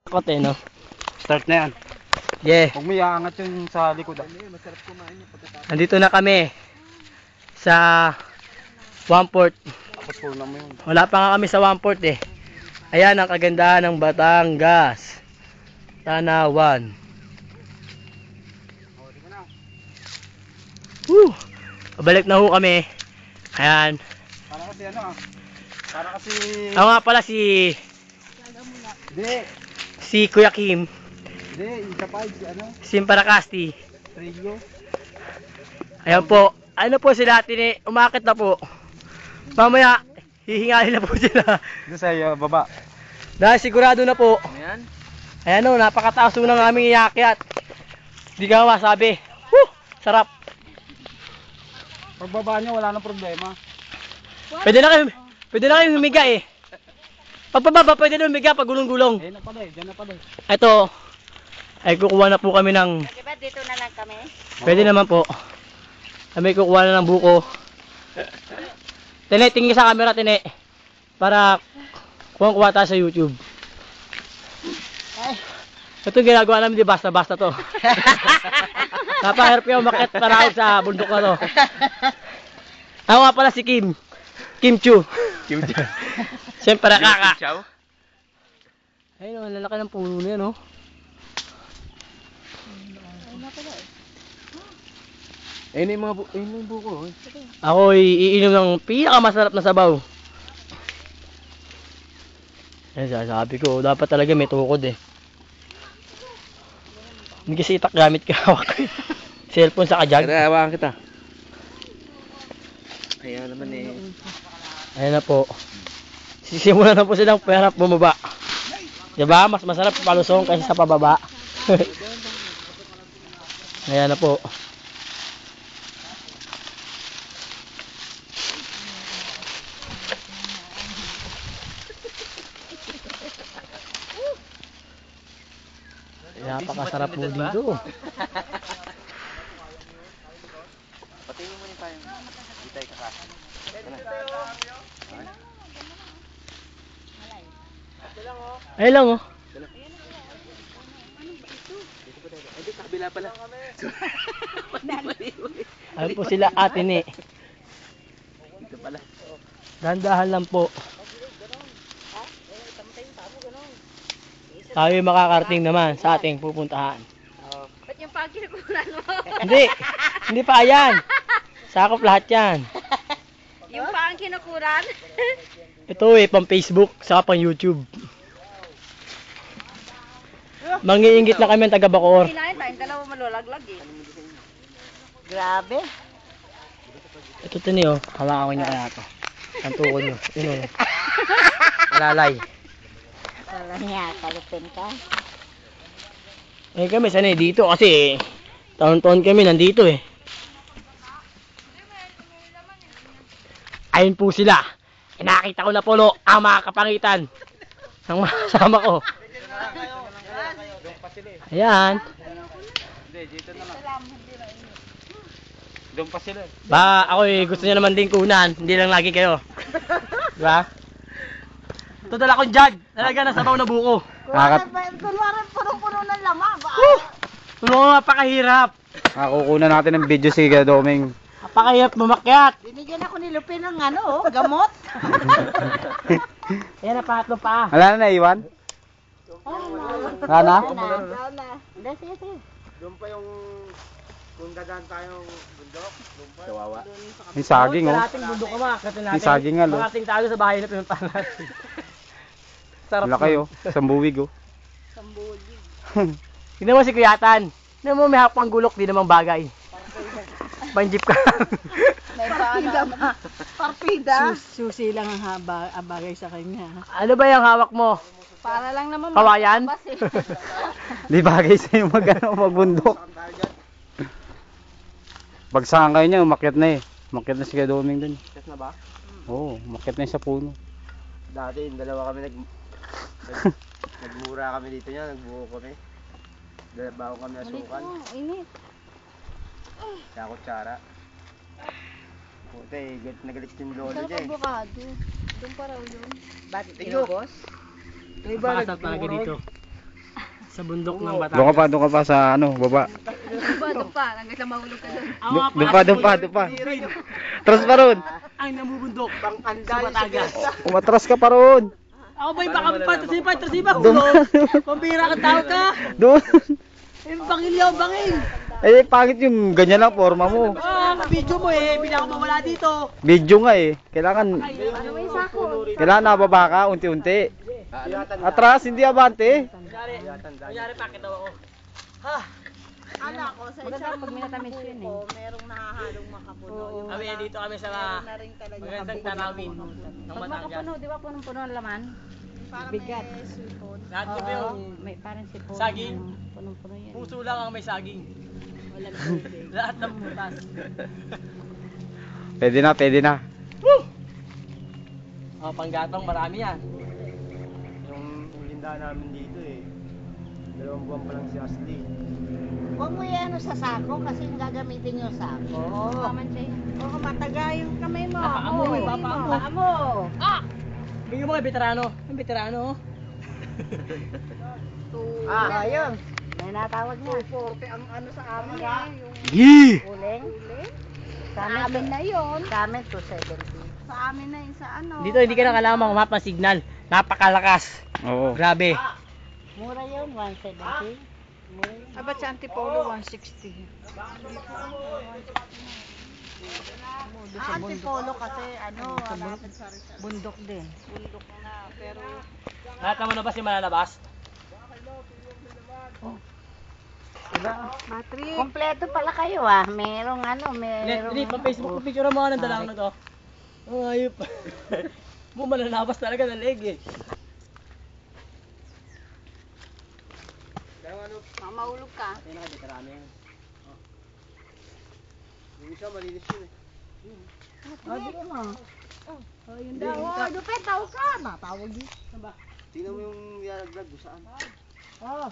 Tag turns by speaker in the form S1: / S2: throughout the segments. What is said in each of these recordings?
S1: Kote, no?
S2: Start na yan.
S1: Yeah.
S2: Huwag mo iaangat yung sa likod.
S1: Nandito na kami sa 1/4.
S2: Tapos puna mo yun.
S1: Wala pa nga kami sa 1/4 eh. Ayan ang kagandahan ng Batangas. Tanawan. Woo! Pabalik na ho kami. Ayan.
S2: Para kasi ano ah. Para kasi...
S1: Ako nga pala si
S2: Hindi.
S1: Kuya Kim.
S2: Hindi. Isa pa si ano.
S1: Simparacasti.
S2: Trillo.
S1: Ayan po. Ano po sila? Umakit na po. Mamaya, hihingalin na po sila.
S2: Dito sa baba.
S1: Dahil sigurado na po.
S2: Ayan.
S1: Ayan o, napakataas po ng aming iakyat. Di ka masabi. Woo! Sarap.
S2: Pagbaba nyo, wala nang problema.
S1: Pwede na kayo humiga eh. Pagpababa, pwede na humiga pag gulong-gulong.
S2: Ayan na pala eh, dyan na pala eh.
S1: Ito, ay kukuha na po kami ng...
S3: Diba dito na lang kami?
S1: Pwede naman po. Kami kukuha na ng buko. Tine, tingin sa camera, Tine. Para kuha tayo sa YouTube. Ito ginagawa namin, di basta-basta to. Napahirap yung umakyat para ako sa bundok na to. Ako nga pala si Kim. Kim Chu.
S2: Kim Chu.
S1: Siyempre kaka.
S2: Chow.
S1: Ayun, ang lalaki ng puno niya, no?
S2: Ayun yung mga buko.
S1: Ako iinom ng pinakamasarap na sabaw. Ayun, sabi ko, dapat talaga may tukod eh. Hindi kasi itak gamit ka hawak. Cellphone sa kajag.
S2: Tara, hawakan kita. Ayan naman eh.
S1: Ayan na po. Sisimulan na po silang perap bumaba. Diba? Mas masarap palusong kaysa sa pababa. Ayan na po. Napakasarap po dito.
S2: Patingin mo yung tayong. Hindi tayo kakasa.
S1: Ayun lang oh.
S2: Ay, kabila pala.
S1: Ayun po sila ate ni.
S2: Dito pala.
S1: Dandahan lang po. Tayo makakarating naman sa ating pupuntahan.
S3: Ba't yung pagkikuran mo?
S1: Hindi pa yan. Sakop lahat yan.
S3: Yung pang kinukuran?
S1: Ito eh, pang Facebook, saka pang YouTube. Mangiinggit na kami ang taga Bacoor.
S3: Kinain tayong dalawa malulaglag eh. Grabe.
S1: Ito tini oh, hawakan ko niya kaya ito. Ang tukod nyo. Yun oh. Alalay.
S3: Wala niya, kalupin ka.
S1: Eh kami sanay dito kasi taon-taon kami nandito eh. Ayun po sila. Nakita ko na po ang mga kapangitan ng mga kasama ko. Ayan.
S2: Hindi, dito na lang. Doon pa sila.
S1: Ba, ako eh, gusto niya naman din kunan. Hindi lang lagi kayo. Diba? Ito dala kong jug. Talaga na sabaw na buko.
S3: Kunwari punong-puno ng lama.
S1: Tulungan nga pakahirap.
S2: Kukunan natin ng video si Gadoming.
S1: Napakahirap mamakyat.
S3: Binigyan ako ni Lupin ng gamot.
S1: Ayan na, pangatlo pa.
S2: Wala na naiwan? Wala na?
S3: Hindi, sige.
S2: Doon pa yung kung dadaan tayong bundok, doon pa. Kawawa. May saging oh.
S1: Kalating bundok ka makakatin natin.
S2: May saging nga, lo.
S1: Makating tayo sa bahay na pinuntahan natin. Sarap
S2: Laki oh. Sambuwig oh.
S1: Tignan mo si Kuyatan. Tignan mo may hapang gulok, di namang bagay. Panjip ka.
S3: May paano ba? Partida.
S4: Susi lang ang bagay sa kanya.
S1: Ano ba yung hawak mo?
S3: Para lang naman
S1: Kawayan?
S2: Di bagay sa'yo magbundok. Bagsakan kayo niya, umakyat na eh. Umakyat na si Gadoming dun.
S1: Yes na ba?
S2: Oo, umakyat na yun sa puno.
S5: Dati, dalawa kami nagmura kami dito niya, nagbuo kami. Bago kami nasukan.
S3: Init.
S5: Sa kutsara. Puta eh, nagalit yung lolo
S3: Sarap
S5: niya eh.
S3: avocado. Doon pa raw yun.
S4: Bakit
S5: inubos?
S4: Yung
S1: Pakasap talaga dito. Sa bundok ng Batangas.
S2: Doon ka pa sa ano, baba.
S3: Doon pa. Hanggang sa mahulog ka doon.
S1: Ako nga pala
S2: Doon pa. Tras pa ron.
S1: ang namubundok sa Batangas.
S2: Umatras ka pa ron.
S1: Ako ba'y baka trasipa, hulog. Pambira ka tao ka.
S2: Doon.
S1: Yung bangilyaw, bangil.
S2: Eh, pangit yung ganyan lang forma mo.
S1: Video mo hindi ako mawala dito.
S2: Video nga eh. Kailangan
S3: Ano may sako?
S2: nababa ka unti-unti. Atras, hindi abante.
S1: Kunyari pakit daw ako.
S3: Ala ko sa isang pag minatamis yun eh. Merong nahahalong makapuno. Yung
S1: Kami dito kami sa
S3: na rin talaga.
S1: magandang tanawin ng
S3: Pag
S1: Batangas.
S3: makapuno, di ba punong-puno ang laman? Bigat.
S1: Lahat ko pa yung
S3: May parang sipon.
S1: Saging.
S3: Punong-puno yan.
S1: puso lang ang may saging. Lahat ng butas.
S2: Pwede na.
S1: Oh, panggatong marami yan.
S5: Yung linda namin dito eh. 2 buwan pa lang si Ashley.
S6: Huwag mo yan sa sako kasi gagamitin yung sako. Oo. Oo, mataga yung kamay mo.
S1: Napaamoy, papaamoy.
S6: Paamo.
S1: Bigyan mo kay veterano. Ang veterano.
S6: Ayun. May natawag niya. 240 ang ano sa amin yung
S2: Yee!
S6: uling. Sa
S3: Sa amin na yun.
S6: Sa amin 270.
S3: Sa amin na yun sa ano.
S1: Dito hindi ka na kailangan mga mapa signal. Napakalakas.
S2: Oo.
S1: Grabe.
S6: Mura yun, 170.
S4: Aba sa Antipolo, 160.
S6: Antipolo kasi ano, malapit sa Rizal.
S4: Bundok din.
S6: Bundok na. Pero
S1: Lahat naman na ba si malalabas?
S4: Patrick.
S6: kompleto pala kayo ah. Merong ano, merong...
S1: Hindi, pa Facebook ko picture mo ng dalawang na to. Ang ayop. Mo malalabas talaga ng leg eh.
S3: Mamahulog ka.
S1: Ito na veterano yan.
S5: Yung isa malinis yun eh.
S6: Hindi mo.
S3: Yun daw. Oh, Dupet, tao ka.
S6: Matawag din.
S5: Tingnan mo yung nilaglag kung saan.
S6: Oh.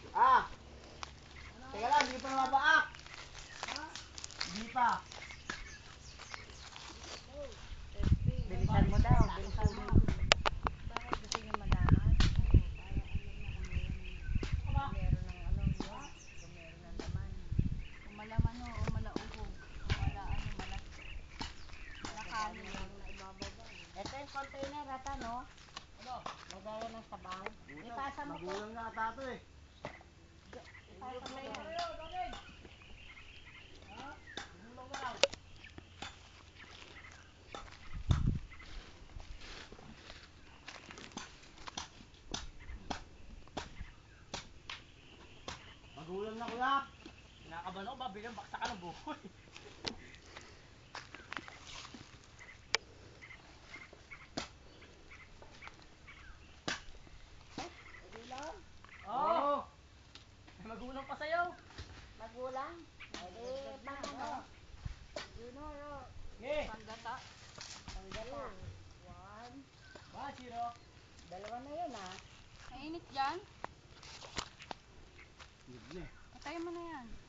S5: Teka lang, hindi pa mabaak.
S1: Hindi pa.
S6: Bilisan mo daw. Bilisan mo.
S3: Malaman o malaugo. Wala ano, malakali.
S6: Ito yung container ata, no? Ano? Lagayan ng sabaw. Ipasa mo ko.
S5: Magulang na ata to eh. Magulang na kuya.
S1: Kinakabahan ako ba? Bigyan baksa ka ng buhay. Oo. May magulang pa sa'yo.
S6: Magulang. Eh, paano no?
S1: Okay.
S3: Panggata.
S6: Panggata.
S1: 1-0.
S6: Dalawa na yun ah.
S3: Mainit dyan. Patayin mo na yan.